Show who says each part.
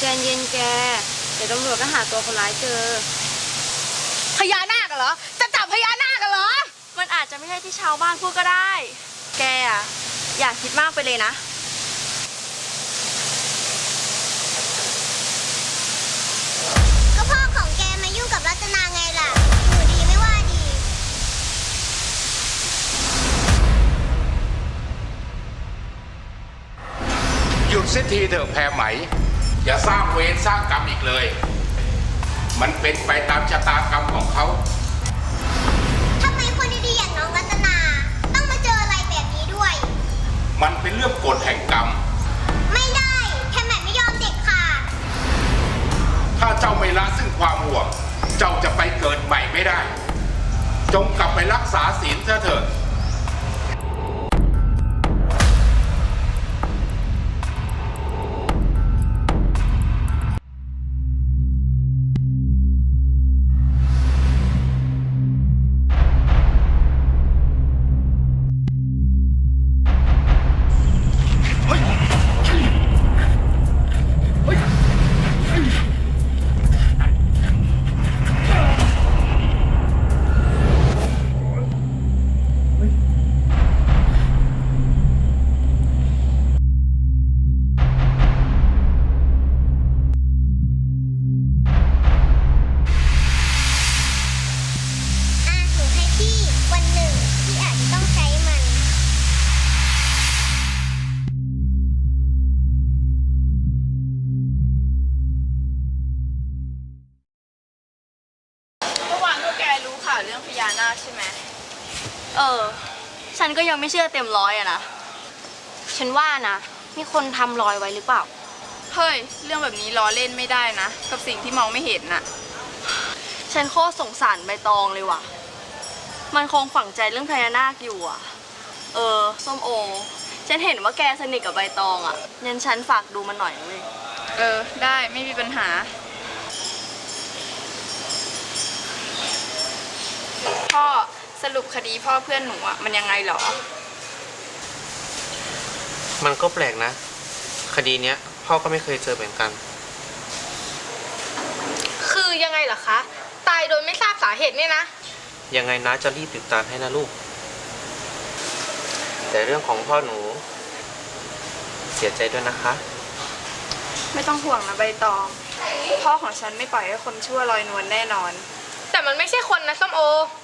Speaker 1: ใจเย็นแกเดี๋ยวตำรวจก็หาตัวคนร้ายเจอ
Speaker 2: พญานาคเหรอจะจับพญานาคเหรอ
Speaker 1: มันอาจจะไม่ใช่ที่ชาวบ้านพูดก็ได้แกอะอย่าคิดมากไปเลยนะ
Speaker 3: ก็พ่อของแกมายุ่งกับรัตนาไงล่ะอยู่ดีไม่ว่าดี
Speaker 4: หยุดเสียทีเถอะแพรไหมอย่าสร้างเวรสร้างกรรมอีกเลย มันเป็นไปตามชะตากรรมของเขา
Speaker 3: ทำไมคนดีๆอย่างน้องรัตนาต้องมาเจออะไรแบบนี้ด้วย
Speaker 4: มันเป็นเรื่องกฎแห่งกรรม
Speaker 3: ไม่ได้แค่แม่ไม่ยอมเด็กขาด
Speaker 4: ถ้าเจ้าไม่ละซึ่งความห่วงเจ้าจะไปเกิดใหม่ไม่ได้จงกลับไปรักษาศีลเถอะ
Speaker 3: หนูให้พี่วันหนึ่งพี่อาจจะต้องใช้มัน
Speaker 1: เมื่อวานพวกแกรู้ข่าวเรื่องพญานาคใช่ไหมฉันก็ยังไม่เชื่อเต็มร้อยอะนะฉันว่านะมีคนทำรอยไว้หรือเปล่าเฮ้ยเรื่องแบบนี้ล้อเล่นไม่ได้นะกับสิ่งที่มองไม่เห็นน่ะฉันโคตรสงสารใบตองเลยว่ะมันคงฝังใจเรื่องพญานาคอยู่อ่ะส้มโอฉันเห็นว่าแกสนิทกับใบตองอ่ะงั้นฉันฝากดูมันหน่อยนะเว้ยได้ไม่มีปัญหาพ่อสรุปคดีพ่อเพื่อนหนูอ่ะมันยังไงหรอ
Speaker 5: มันก็แปลกนะคดีเนี้ยพ่อก็ไม่เคยเจอเหมือนกัน
Speaker 2: คือยังไงเหรอคะตายโดยไม่ทราบสาเหตุเนี่ยนะ
Speaker 5: ยังไงนะจะรีบติดตามให้นะลูกแต่เรื่องของพ่อหนูเสียใจด้วยนะคะ
Speaker 1: ไม่ต้องห่วงนะใบตองพ่อของฉันไม่ปล่อยให้คนชั่วลอยนวลแน่นอน
Speaker 2: แต่มันไม่ใช่คนนะส้มโอ